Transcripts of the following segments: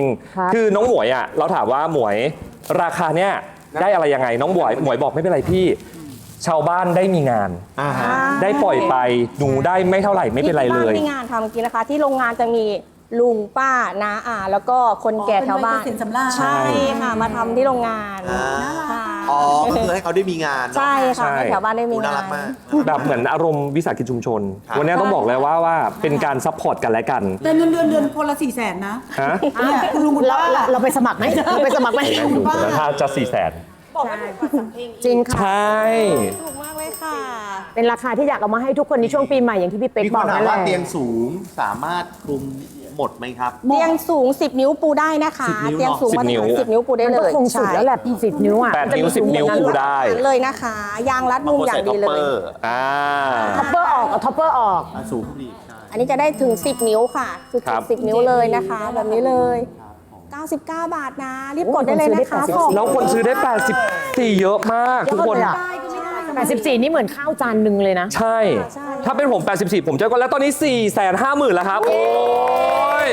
คือน้องหมวยอ่ะเราถามว่าหมวยราคาเนี้ยได้อะไรยังไงน้องหมวยบอกไม่เป็นไรพี่ชาวบ้านได้มีงานได้ปล่อยไปหนูได้ไม่เท่าไหร่ไม่เป็นไรเลยที่งานทำจริงนะคะที่โรงงานจะมีลุงป้าน้าอาแล้วก็คนแก่แถวบ้านใช่ค่ะมาทำที่โรงงานอ๋อก็คือให้เขาได้มีงานใช่ค่ะให้แถวบ้านได้มีงานแบบเหมือนอารมณ์วิสาหกิจชุมชนวันนี้ต้องบอกเลยว่าเป็นการซัพพอร์ตกันและกันแต่เงินเดือนคนละ400,000นะคุณลุงคุณป้าเราไปสมัครไหมเราไปสมัครไหมถ้าจะ400,000 บอกไม่ถูกจริงค่ะใช่ถูกมากเลยค่ะเป็นราคาที่อยากเอามาให้ทุกคนในช่วงปีใหม่อย่างที่พี่เป๊กบอกนั่นแหละว่าเตียงสูงสามารถคลุมหมดไหมครับเตียงสูง10 นิ้วปูได้นะคะเตียงสูงมา10 นิ้วปูได้เลยคงสุดแล้วแหละ10 นิ้วอ่ะ 8 นิ้ว10 นิ้วปูได้เลยนะคะยางรัดมุมอย่างดีเลยท็อปเปอร์ออกท็อปเปอร์ออกสูงดีอันนี้จะได้ถึง10 นิ้วค่ะคือ10 นิ้วเลยนะคะแบบนี้เลย99 บาทนะรีบกดได้เลยนะคะแล้วคนซื้อได้84เยอะมากทุกคน 84นี่เหมือนข้าวจานหนึ่งเลยนะใช่ถ้าเป็นผม84ผมจะก็แล้วตอนนี้ 450,000แล้วครับโอ้ย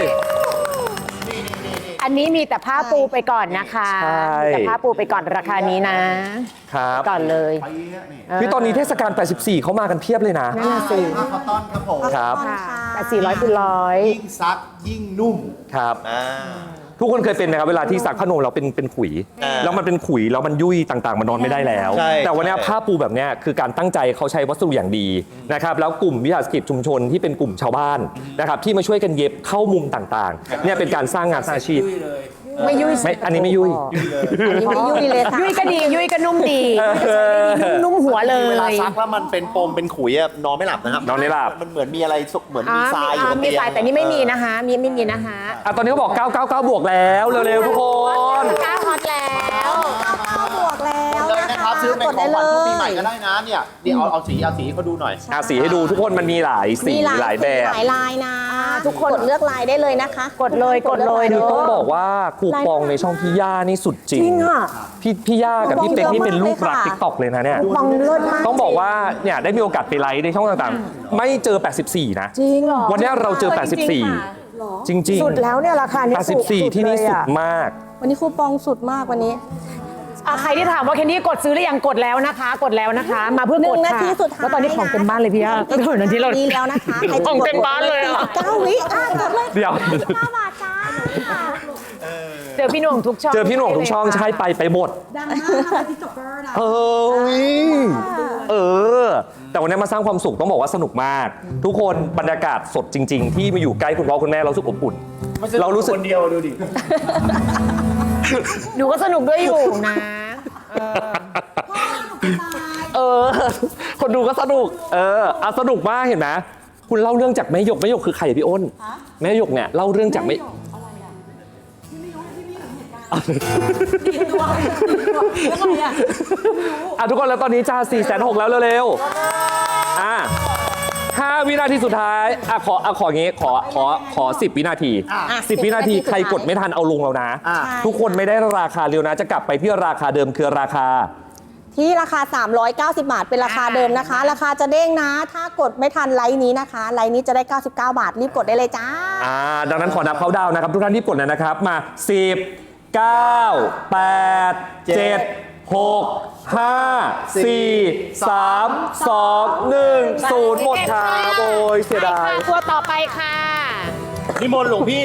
อันนี้มีแต่ผ้าปูไปก่อนนะคะมีแต่ผ้าปูไปก่อนราคานี้นะครับก่อนเลยพี่ตอนนี้เทศกาล84เขามากันเพียบเลยนะนั่นสิผ้าคอตตอนครับผมครับแต่400คูณ100 ยิ่งซักยิ่งนุ่มครับทุกคนเคยเป็นไหมครับเวลาที่ซักผ้านวมเราเป็นขุยแล้วมันเป็นขุยแล้วมันยุ่ยต่างๆมันนอนไม่ได้แล้วแต่วันนี้ผ้าปูแบบนี้คือการตั้งใจเขาใช้วัสดุอย่างดีนะครับแล้วกลุ่มวิสาหกิจชุมชนที่เป็นกลุ่มชาวบ้านนะครับที่มาช่วยกันเย็บเข้ามุมต่างๆเนี่ยเป็นการสร้างงานสร้างอาชีพไม่ยุ่ยอันนี้ไม่ยุ่ยไม่ยุ่ยเลยค่ะยุ่ยก็ดียุ่ยก็นุ่มดีนุ่มหัวเลยเวลาซักแล้วมันเป็นปมเป็นขุยนอนไม่หลับนะครับนอนไม่หลับมันเหมือนมีอะไรเหมือนมีทรายอยู่บนเตียงมีทรายแต่นี่ไม่มีนะคะไม่มีนะคะตอนนี้เขาบอก999บวกแล้วเร็วๆทุกคน 9ฮอตแล้ว 9บวกแล้วเลยนะครับซื้อในของขวัญปีใหม่ก็ได้นะเนี่ยเอาสีเขาดูหน่อยสีให้ดูทุกคนมันมีหลายสีหลายแบบหลายลายนะทุกคนเลือกลายได้เลยนะคะกดเลยต้องบอกว่าคูปองในช่องพี่ย่านี่สุดจริงพี่ย่ากับพี่เป็กนี่เป็นลูกรักTikTokเลยนะเนี่ยต้องบอกว่าเนี่ยได้มีโอกาสไปไลฟ์ในช่องต่างๆไม่เจอ84นะจริงเหรอวันนี้เราเจอ84จริงๆสุดแล้วเนี่ยราคานี้ 84ที่นี่สุดมากวันนี้คูปองสุดมากวันนี้ใครที่ถามว่าแคนดี้กดซื้อหรือยังกดแล้วนะคะมาเพื่อกดค่ะแล้วตอนนี้ของเต็มบ้านเลยพี่ย่าก็เหมือนที่เราดีแล้วนะคะของเต็มบ้านเลย 9 วิกดเลยเดี๋ยว 5 บาทจ้าเจอพี่หน่วงทุกช่องใช่ไปหมดดังมากที่ติ๊กต็อกเกอร์นะแต่วันนี้มาสร้างความสุขต้องบอกว่าสนุกมากทุกคนบรรยากาศสดจริงๆที่มาอยู่ใกล้คุณพ่อคุณแม่เรารู้สึกอบอุ่นเรารู้สึกคนเดียวดูดิหนูก็สนุกด้วยอยู่นะคนดูก็สนุกสนุกมากเห็นไหมคุณเล่าเรื่องจากแม่หยกคือใครพี่อ้นแม่หยกเนี่ยเล่าเรื่องจากแม่ทุกคนแล้วตอนนี้จ้า460,000แล้วเร็ว5 วินาทีสุดท้ายขออย่างงี้ขอ10 วินาที10 วินาทีใครกดไม่ทันเอาลงแล้วนะทุกคนไม่ได้ราคาเร็วนะจะกลับไปที่ราคาเดิมคือราคาที่ราคา390 บาทเป็นราคาเดิมนะคะราคาจะเด้งนะถ้ากดไม่ทันไลน์นี้นะคะไลน์นี้จะได้99 บาทรีบกดได้เลยจ้าดังนั้นขอนับเขาดาวนะครับทุกท่านรีบกดเลยนะครับมา10 9 8 7 6 5 4 3 2 1 0หมดครับโอ้ยเสียดายตัวต่อไปค่ะนิมนต์หลวงพี่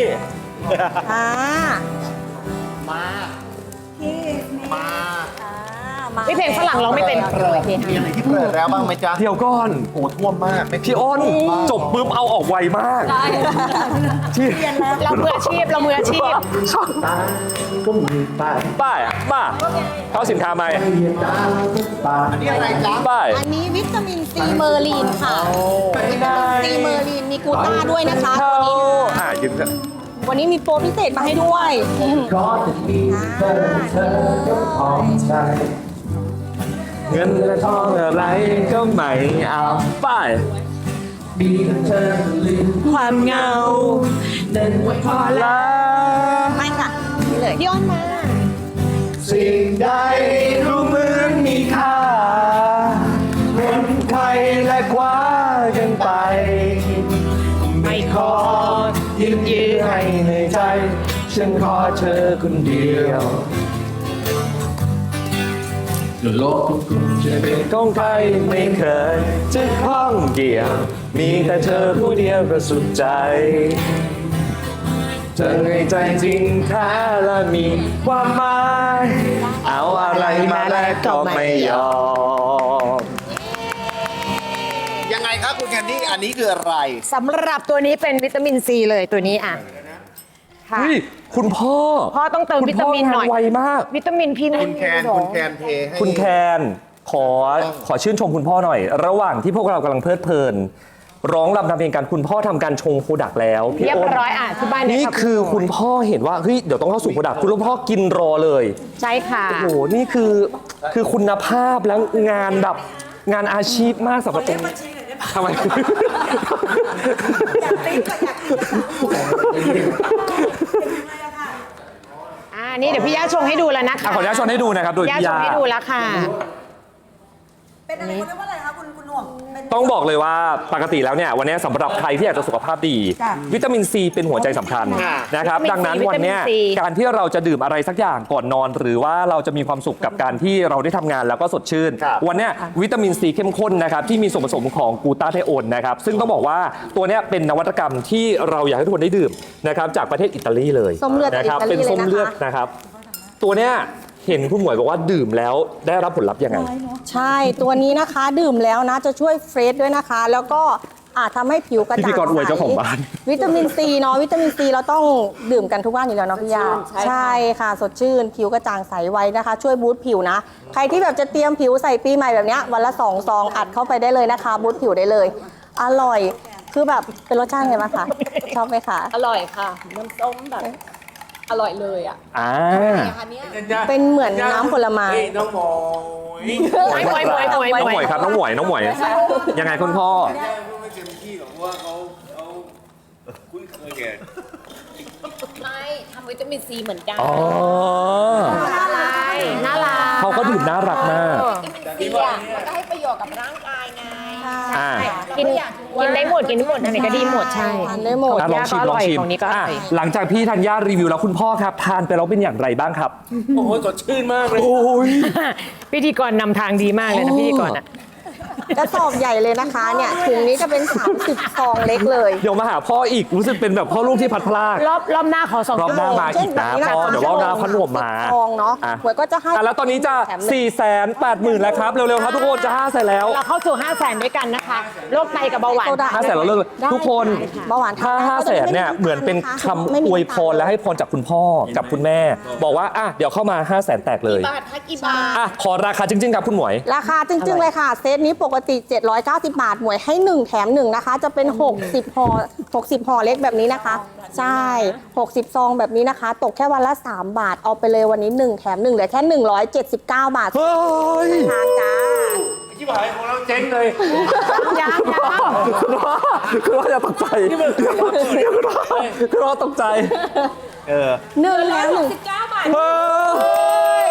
มาพี่เพลงฝรั่งร้องไม่เป็นมีอะไรที่เปิดแล้วบ้างไหมจ๊ะเดี๋ยวก่อนโอ้ท่วมมากพี่อ้นจบปุ๊บเอาออกไวมากเรามืออาชีพป้ายเขาสินค้าไหมอันนี้อะไรจ๊ะอันนี้วิตามินซีเมอร์ลีนค่ะวิตามินซีเมอร์ลีนมีกลูต้าด้วยนะคะยืมวันนี้มีโปรพิเศษมาให้ด้วยเงินและทองอะไรก็ไม่เอาไปความเหงาเดินไว้พอแล้วไม่ค่ะนี่เลยพี่อ้นมาสิ่งใดรู้เหมือนมีค่าคนใครและคว้ากันไปไม่ขอยืมยื้อให้ในใจฉันขอเธอคนเดียวโลกคุณจะเป็นของใครไม่เคยจะข้องเกี่ยวมีแต่เธอผู้เดียวประสุดใจเธอในใจจริงแท้และมีความหมายเอาอะไรมาแลกก็ไม่ยอมยังไงครับคุณแคนดี้อันนี้คืออะไรสำหรับตัวนี้เป็นวิตามินซีเลยตัวนี้อ่ะค่ะเฮ้ยคุณพ่อพ่อต้องเติมวิตามินหน่อยคุณพ่งไวมากวิตามินพี่คุณแคนเทให้คุณแคนขอชื่นชมคุณพ่อหน่อย ระหว่างที่พวกเรากำลังเพลิดเพลิน ร้องรำทำเพลงกันคุณพ่อทำการชงโปรดักต์แล้วพี่เรียบอ้นร้อยอ่ะที่บ้านเยนี่รับคือคุณพ่อเห็นว่าเฮ้ยเดี๋ยวต้องเข้าสู่โปรดักต์คุณพ่อกินรอเลยใช่ค่ะโอ้โหนี่คือคุณภาพแล้วงานแบบงานอาชีพมากสำหรับเป็นทำไมนี่เดี๋ยวพี่ย่าชงให้ดูแล้วนะคะขออนุญาตชวนให้ดูนะครับโดยย่าพี่ชยางให้ดูแล้วค่ะเป็นอะไรเขาเรียกว่าอะไรคะคุณหน่วงเป็นต้องบอกเลยว่าปกติแล้วเนี่ยวันนี้สำหรับใครที่อยากจะสุขภาพดีจ้ะวิตามินซีเป็นหัวใจสำคัญนะครับวิตามินดังนั้น C วันเนี้ยวิตามิน C การที่เราจะดื่มอะไรสักอย่างก่อนนอน หรือว่าเราจะมีความสุขกับการที่เราได้ทำงานแล้วก็สดชื่น วันเนี้ยวิตามินซีเข้มข้นนะครับที่มีส่วนผสมของกลูตาไทโอนนะครับซึ่งต้องบอกว่าตัวเนี้ยเป็นนวัตกรรมที่เราอยากให้ทุกคนได้ดื่มนะครับจากประเทศอิตาลีเลยส้มเลือดจากนะครับอิตาลีเป็นส้มเลยนะคะเลือดนะครับตัวเนี้ยเห็นคุณหมวยบอกว่าดื่มแล้วได้รับผลลัพธ์ยังไงใช่ตัวนี้นะคะดื่มแล้วนะจะช่วยเฟรชด้วยนะคะ แล้วก็อาจทำให้ผิวกระจ่างพิธีกรอวยเจ้าของบ้านวิตามินซีเนาะวิตามินซีเราต้องดื่มกันทุกวันอยู่แล้วเนาะพี่ยาใช่ค่ะสดชื่น ผิวกระจ่างใสไวนะคะ ช่วยบูสต์ผิวนะ ใครที่แบบจะเตรียมผิวใส่ปีใหม่แบบเนี้ยวันละ2 ซองอัดเข้าไปได้เลยนะคะ บูสต์ผิวได้เลย อร่อยคือแบบเป็นรสชาติไงบ้างคะชอบไหมคะอร่อยค่ะ น้ำส้มแบบ อร่อยเลยอ่ะอ่าอันเนี้ยเป็นเหมือนน้ำผลไม้น้องหมวยครับน้องหมวยยังไงคุณพ่อไม่เต็มที่หรอกเพราะว่าเขาคุ้นเคยแก่ไม่ทำวิตามินซีเหมือนกันอ๋อน่ารักเขาก็ดื่มน่ารักมากวิตามินซีอ่ะมันก็ให้ประโยชน์กับร่างกายไงอ่ากินได้หมดกินได้หมดอันไหนก็ดีหมดใช่ทานได้หมดอ่ะลองชิมลองชิมของนี้ก็อร่อยอ่ะหลังจากพี่ธัญญารีวิวแล้วคุณพ่อครับทานไปแล้วเป็นอย่างไรบ้างครับโอ้โหสดชื่นมากเลยโอ้ยพิธีกรนำทางดีมากเลยนะพิธีกรอ่ะกระสอบใหญ่เลยนะคะเนี่ยถุงนี้จะเป็น30 ซองเล็กเลยเดี๋ยวมาหาพ่ออีกรู้สึกเป็นแบบพ่อลูกที่พัดพลากรอบหน้าขอ2 รอบหน้ามาอีกนะพ่อเดี๋ยวรอบหน้าพันหนวมมาซองเนาะอ่ะหวยก็จะให้อ่ะแล้วตอนนี้จะ 480,000แล้วครับ เร็วๆครับทุกคนจะ500,000แล้วเราเข้าสู่ 500,000 ด้วยกันนะคะโรคไตกับเบาหวาน 500,000แล้วเลิกเลยทุกคนเบาหวานถ้า500,000เนี่ยเหมือนเป็นคำอวยพรและให้พรจากคุณพ่อกับคุณแม่ บอกว่าอ่ะเดี๋ยวเข้ามา500,000แตกเลยบาทถ้ากี่บาทอ่ะขอราคาจริงๆครับคุณหมวยราคาจริงๆเลยค่ะ เซตนี้ปกติ790 บาทหมวยให้ 1 แถม 1 นะคะ จะเป็น 60 ห่อ 60 ห่อเล็กแบบนี้นะคะ ใช่ 60 ซองแบบนี้นะคะ ตกแค่วันละ 3 บาท เอาไปเลยวันนี้ 1 แถม 1เหลือแค่ 179 บาทเฮ้ยทางจ้าที่บ่ายของเราเจ๊งเลยยังคุณพ่ออย่าตกใจคุณพ่อตกใจหนึ่งแถมหนึ่ง 169 บาทเฮ้ย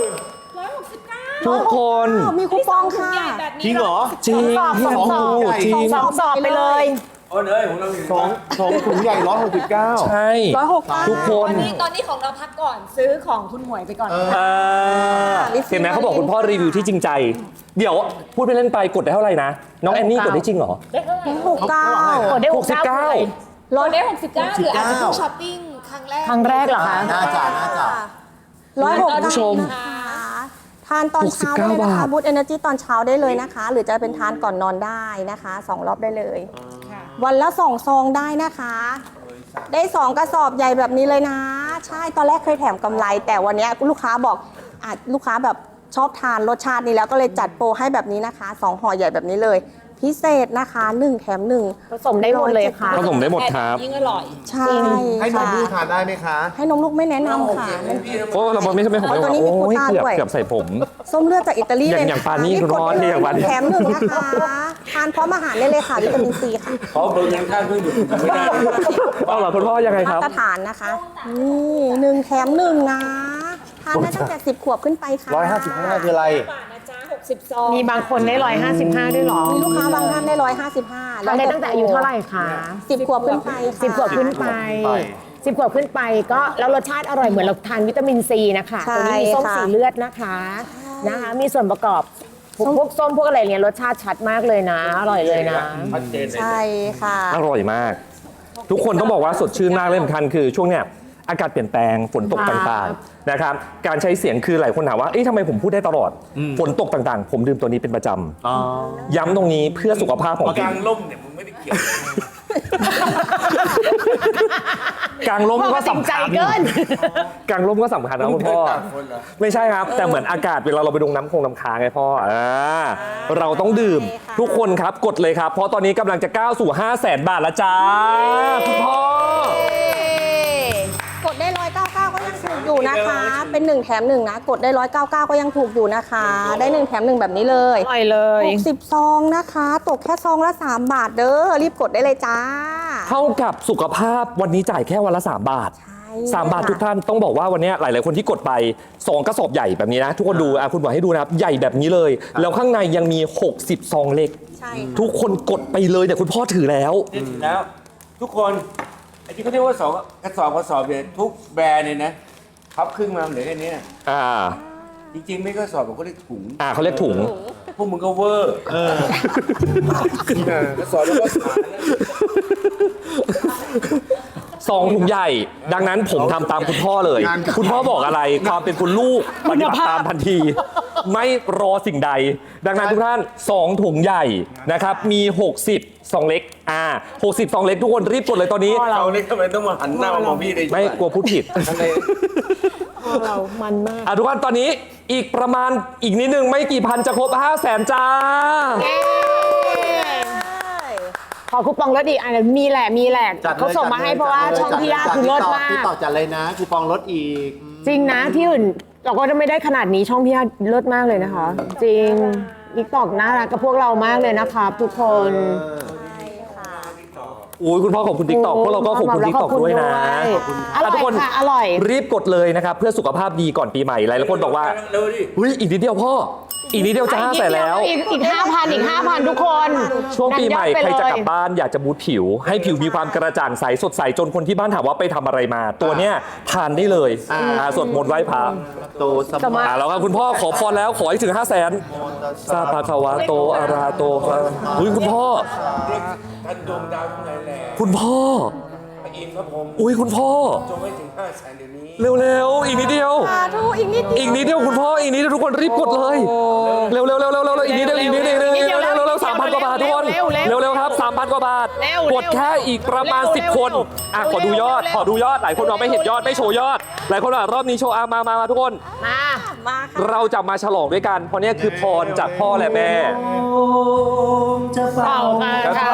169 ทุกคนมีคูปองค่ะใหญ่แบบนี้จริงเหรอจริงสอบพี่สอบจริงสองสอบไปเลยโอ้เนยของเราอยู่สองถุงใหญ่169 ใช่ 169 ทุกคนตอนนี้ของเราพักก่อนซื้อของคุณหมวยไปก่อนเห็นไหมเขาบอกคุณพ่อรีวิวที่จริงใจ เดี๋ยวพูดไปเล่นไปกดได้เท่าไหร่นะ น้องแอนนี่กดได้จริงเหรอได้เท่าไหร่กดได้ 69 เราได้ 69 หรืออาจจะเพิ่งช้อปปิ้งครั้งแรกครั้งแรกเหรอคะน่าจะคุณผู้ชมทานตอนเช้าได้เลยนะคะ 69 บูตเอเนอร์จีตอนเช้าได้เลยนะคะ หรือจะเป็นทานก่อนนอนได้นะคะ2 รอบได้เลย วันละ2 ซองได้นะคะ ได้ 2 กระสอบใหญ่แบบนี้เลยนะ ใช่ตอนแรกเคยแถมกำไร แต่วันนี้ลูกค้าบอกลูกค้าแบบชอบทานรสชาตินี้แล้วก็เลยจัดโปรให้แบบนี้นะคะ2 ห่อใหญ่แบบนี้เลย พิเศษนะคะ1 แถม 1 ผสมได้หมดเลยค่ะผสมได้หมดครับยิ่งอร่อยใช่ให้นมค่ะลูกทานได้ไหมคะให้นมลูกไม่แนะนำค่ะโอ้เราไม่ใช่ผมตัวนี้มีโอ้ยโควต้าด้วยเกือบใส่ผมส้มเลือดจากอิตาลีอย่างเลยอย่างปานี่คุณพ่อนี่อย่างปานี่แถม 1 นะคะทานพร้อมอาหารได้เลยค่ะวิตามินซีค่ะขอเบอร์ยังท่านเพิ่งดูไม่ได้เอาเหรอคุณพ่อยังไงคมารับตรฐานนะคะนี่1 แถม 1 นะทานได้ตั้งแต่10 ขวบขึ้นไปค่ะ 155คืออะไรบาทนะจ๊ะ60 ซองมีบางคนได้155ด้วยเหรอมีลูกค้าบางท่านได้155 ทานได้ตั้งแต่อายุเท่าไหร่คะ 10 ขวบขึ้นไปค่ะ 10 ขวบขึ้นไป 10 ขวบขึ้นไปก็แล้วรสชาติอร่อยเหมือนเราทานวิตามินซีนะคะใช่ตัวนี้มีส้มค่ะสีเลือดนะคะมีส่วนประกอบพวกส้มพวกอะไรเนี่ยรสชาติชัดมากเลยนะ อร่อยเลยนะชัดเจนเลยใช่ค่ะอร่อยมาก ทุกคนต้องบอกว่าสดชื่นมากเลยสำคัญคือช่วงเนี้ยอากาศเปลี่ยนแปลงฝนตกครับต่างๆนะครับการใช้เสียงคือหลายคนถามว่าเอ๊ะทำไมผมพูดได้ตลอดฝนตกต่างๆ ผมดื่มตัวนี้เป็นประจำย้ำตรงนี้เพื่อสุขภาพของกลางล่มเนี่ยมึงไม่ได้เกี่ยวเลยกลางลมก็จริงสำใจคัญเกินกลางลมก็สำคัญนะคุณพ่อ ไม่ใช่ครับ แต่เหมือนอากาศเวลาเราไปดงน้ำค้างไงพ่อเราต้องดื่มใช่ค่ะทุกคนครับกดเลยครับ เพราะตอนนี้กำลังจะก้าวสู่ 500,000 บาทแล้วจ้าคุณพ่อกดได้199ก็ยังถูกอยู่นะคะ เป็น1แถม1นะกดได้199ก็ยังถูกอยู่นะคะ ได้1แถม1แบบนี้เลยอร่อยเลย 60ซองนะคะ ตกแค่ซองละ3 บาทเด้อรีบกดได้เลยจ้าเท่ากับสุขภาพวันนี้จ่ายแค่วันละ 3 บาทใช่ 3 บาททุกท่านต้องบอกว่าวันนี้หลาย ๆ คนที่กดไป2 กระสอบใหญ่แบบนี้นะ ทุกคนดูคุณบอกให้ดูนะครับ ใหญ่แบบนี้เลย แล้วข้างในยังมี 60 ซองเล็กใช่ทุกคนกดไปเลยแต่คุณพ่อถือแล้วแล้ว ทุกคนไอ้ที่เขาเรียกว่ากระสอบเนี่ยทุกแบรนด์เนี่ยนะพับครึ่งมาเหลือแค่เนี้ย จริงๆไม่กระสอบผมก็เรียกถุงเขาเรียกถุงพวกมึงก็เวอร์กระสอบแล้วก็ขาแล้วซองถุงใหญ่ ดังนั้นผมทำตามคุณพ่อเลย คุณพ่อบอกอะไรความเป็นคุณลูกปฏิบัติตามทันที ไม่รอสิ่งใด ดังนั้นทุกท่าน2 ถุงใหญ่นะครับมี 60 ซองเล็ก60 ซองเล็กทุกคนรีบกดเลยตอนนี้เราเนี่ยทำไมต้องมาหันหน้ามามองพี่เลยไม่กลัวพูดผิดอะไรเรามันมากทุกท่านตอนนี้อีกประมาณอีกนิดนึงไม่กี่พันจะครบ 500,000 จ้าขอคูปองลดอีกมีแหละจัดลยเขาส่งมาให้เพราะว่าช่องพี่ยาคือลดมากที่ต่อจัดเลยนะคูปองลดอีกจริงนะที่อื่นเราก็จะไม่ได้ขนาดนี้ช่องพี่ยาลดมากเลยนะคะ จริงติ๊กตอกน่ารักกับพวกเรามากเลยนะคะทุกคนอุ้ยคุณพ่อขอบคุณ TikTok พวกเราก็ขอบคุณ TikTok ด้วยนะอร่อยทุกคนค่ะอร่อยรีบกดเลยนะครับ เพื่อสุขภาพดีก่อนปีใหม่หลายคนบอกว่าเร็วดิเฮ้ยอีกนิดเดียวพ่อ อีกนิดเดียวจะ500,000แล้วอีก 5,000 ทุกคนช่วงปีใหม่นับยอดไปใครจะกลับเลยบ้านอยากจะบูทผิว ให้ผิวมีความกระจ่างใสสดใสจนคนที่บ้านถามว่าไปทำอะไรมา ตัวเนี้ยทานได้เลยสวดมนต์ไหว้พระโตสมาแล้วครับคุณพ่อขอพรแล้วขอให้ถึง 500,000 ซาปาคาวะโตอาราโตครับอุ้ยคุณพ่อท่านดวงดาวทั้งหลายแหล่คุณพ่อพระอินทร์พระพรหมอุ้ยคุณพ่อจงให้ถึง500,000เดี๋ยวนี้เร็วๆอีกนิดเดียวสาธุอีกนิดเดียวอีกนิดเดียวคุณพ่ออีกนิดเดียวทุกคนรีบกดเลยเร็วๆอีกนิดเดียว3,000 กว่าบาททุกคนเร็วๆครับ 3,000 กว่าบาทกดแค่อีกประมาณ10 คนขอดูยอดหลายคนบอกไม่เห็นยอดไม่โชว์ยอดหลายคนว่ารอบนี้โชว์มาทุกคนมาค่ะเราจะมาฉลองด้วยกันเพราะเนี่ยคือพรจากพ่อและแม่เป่าค่ะ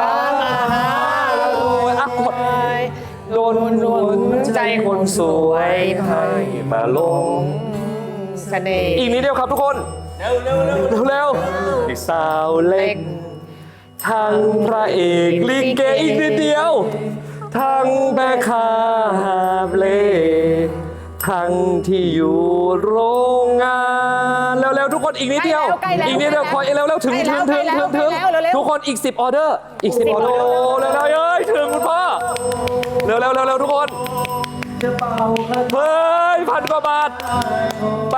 กดโดนใจคนสวยให้มาลงเสน่ห์อีกนิดเดียวครับทุกคน เร็วอีกสาวเล็ก ทั้งพระเอกลิเกอีกนิดเดียว ทั้งแม่ค้าหาบเล่ทั้งที่อยู่โรงงานเร็วๆทุกคนอีกนิดเดียว อีกนิดเดียวคอยเร็วๆถึงทุกคนอีก10 ออเดอร์อีก10 ออเดอร์เร็วๆเอ้ยถึงคุณพ่อเร็วๆทุกคนเฮ้ย1,000 กว่าบาทไป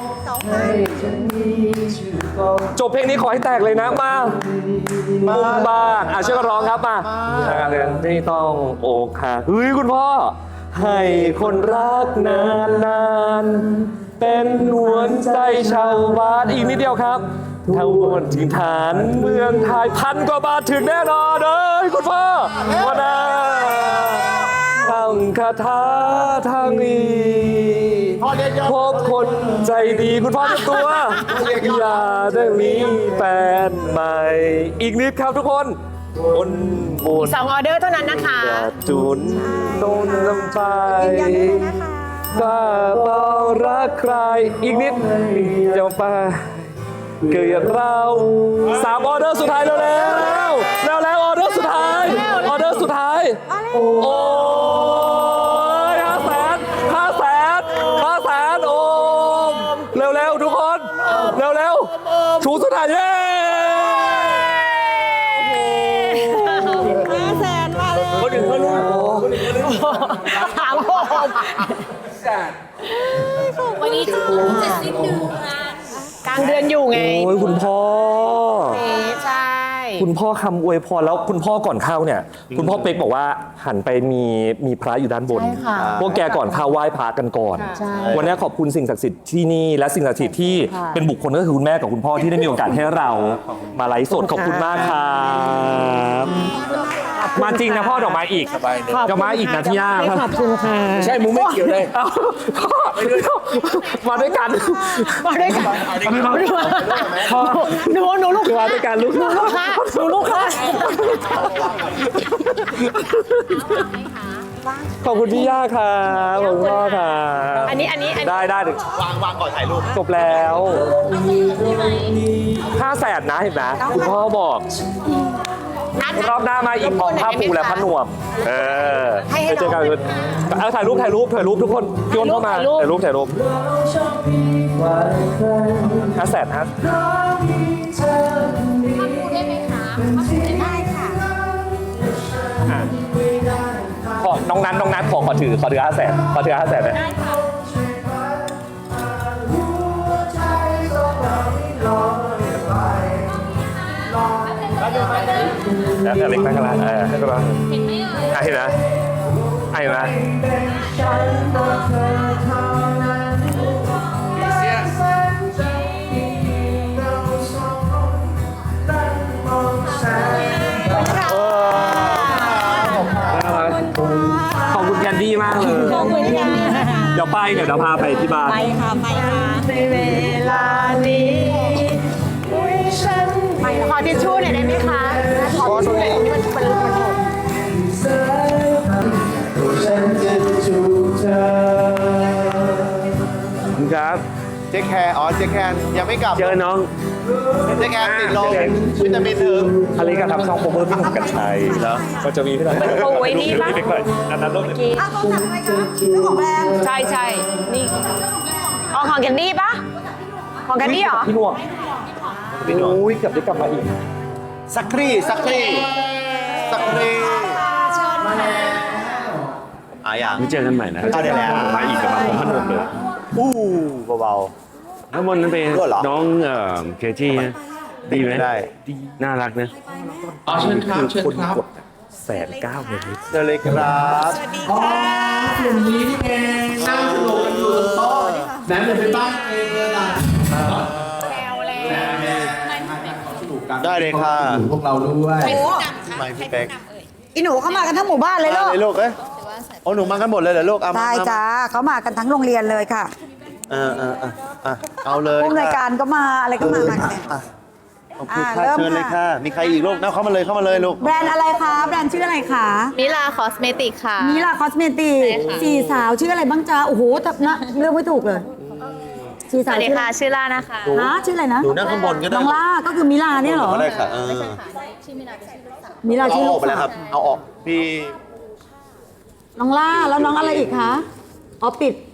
จบเพลงนี้ขอให้แตกเลยนะมาบ้างช่วยกันร้องครับมาเรื่องที่ต้องอกหักเฮ้ยคุณพ่อให้คนรักนานๆเป็นหัวใจชาวบ้านอีกนิดเดียวครับถ้าวนถึงฐานเมืองไทย1,000 กว่าบาทถึงแน่นอนเลยคุณพ่อวันน่าทั้งคาถาทั้งนี้พบคนใจดีคุณพ่อเต็มตัวอย่าได้มีแฟนใหม่อีกนิดครับทุกคนบน 2 ออเดอร์เท่านั้นนะคะจุนโดนลำไฟยืนยันได้เลยนะคะบ้าเบารักใครอีกนิดเดี๋ยวไปเกิดเรา3 ออเดอร์สุดท้ายแล้วออเดอร์สุดท้ายโอ้ย500,000โอ้เร็วทุกคนเร็วชูสุดท้ายเย้ 500,000มาเลยคนอื่นเขารู้ถามวันนี้จะสิ้นเดือนกลางเดือนอยู่ไงโอ้ยคุณพ่อใช่คุณพ่อคำอวยพรแล้วคุณพ่อก่อนเข้าเนี่ย คุณพ่อเป๊กบอกว่าหันไปมีพระอยู่ด้านบนใช่ค่ะพวกแกก่อนเข้าไหว้พระกันก่อนใช่วันนี้ขอบคุณสิ่งศักดิ์สิทธิ์ที่นี่และสิ่งศักดิ์สิทธิ์ที่ค่ะเป็นบุคคลก็คือคุณแม่กับคุณพ่อที่ได้มีโอกาสให้เรามาไลฟ์สดขอบคุณมากครับมาจริงนะพ่อดอกไม้อีกดอกไม้อีกนะที่ย่าไม่ขอบคุณค่ะใช่มึงไม่เกี่ยวเลยเอ้าพ่อมาด้วยกันมาด้วยกันหนูลูกมาด้วยกันลูกหนูลูกค้าหนูลูกค้าขอบคุณพี่ย่าครับขอบคุณพ่อครับอันนี้ได้ถึงวางก่อนถ่ายรูปจบแล้ว500,000นะเห็นไหมคุณพ่อบอก รอบหน้ามาอีกพร้อมผ้าปูและผ้านวมไปเจอกันเอาถ่ายรูปทุกคนโยนเข้ามาถ่ายรูป500,000ฮะได้ไหมคะได้ค่ะขอน้องนัทขอถือ500,000นะได้ค่ะแล้วแต่เล็กมากกันละให้ก็ได้เห็นไหมเอ่ยเห็นนะเห็นไหมขอบคุณแคนดี้มากเลยขอบคุณค่ะเดี๋ยวเราพาไปที่บ้านไปค่ะในเวลานี้ขอทิชชู่หน่อยได้ไหมคะขอทิชชู่หน่อยตรงนี้มันหกครับเจ๊แคร์เจ๊แคร์ยังไม่กลับเจอน้องเจ๊แคร์ติดลมวิตามินถึงอเล็กก็ทำช่องโคเวอร์พี่หนุ่มกัญชัยแล้วก็จะมีพี่หนุ่มโอ้ยนี่ปะไปก่อนอันนั้นรูปเลยอ้าวโทรศัพท์อะไรคะเจ้าของแบรนด์ใช่นี่เอาของแคนดี้ปะของแคนดี้เหรอพี่หนุ่มโอ้ยเกือบได้กลับมาอีกสักครี่อย่างเจอกันใหม่นะเอาเดี๋ยวแล้วมาอีกกับมาผมพนมเลยเบาน้ำมนต์นั้นเป็นด้วยเหรอน้องเคที่นะดีไหมได้น่ารักนะเชิญครับคนกด109,000เลยเจอเลยครับกลุ่มนี้นี่เองนั่งสนุกกันอยู่บนโต๊ะแหนมจะไปบ้านเองเลยล่ะสนุกกันได้เลยค่ะพวกเราด้วยไม่พี่เป๊กอีหนูเข้ามากันทั้งหมู่บ้านเลยมาลูกเลยลูกโอ้หนูมากันหมดเลยเหรอลูกเอามาใช่จ้าเขามากันทั้งโรงเรียนเลยค่ะเอาเลยผู้อำนวยค่ะการก็มาอะไรก็มากันเนี่ยขอบคุณค่ะเริ่มเชิญเลยค่ะค่ะ มีใครอีกลูกเข้ามาเลยลูกแบรนด์อะไรคะแบรนด์ชื่ออะไรคะมิลาคอสเมติกค่ะมิลาคอสเมติกใช่ค่ะสี่สาวชื่ออะไรบ้างจ้าโอ้โหแต่นะเลือกไม่ถูกเลยสี่สสาววัสดีชื่อค่ะ ชื่อล่านะคะฮะชื่ออะไรนะหนูนั่งข้างบนก็ได้น้องล่าก็คือมิลาเนี่ยเหรอก็ได้ค่ะมิลาเอาชื่ออลูอกกไปแล้วครับ เอาออกพี่น้องล่าแล้วน้องอะไรอีกคะอ๋อปิด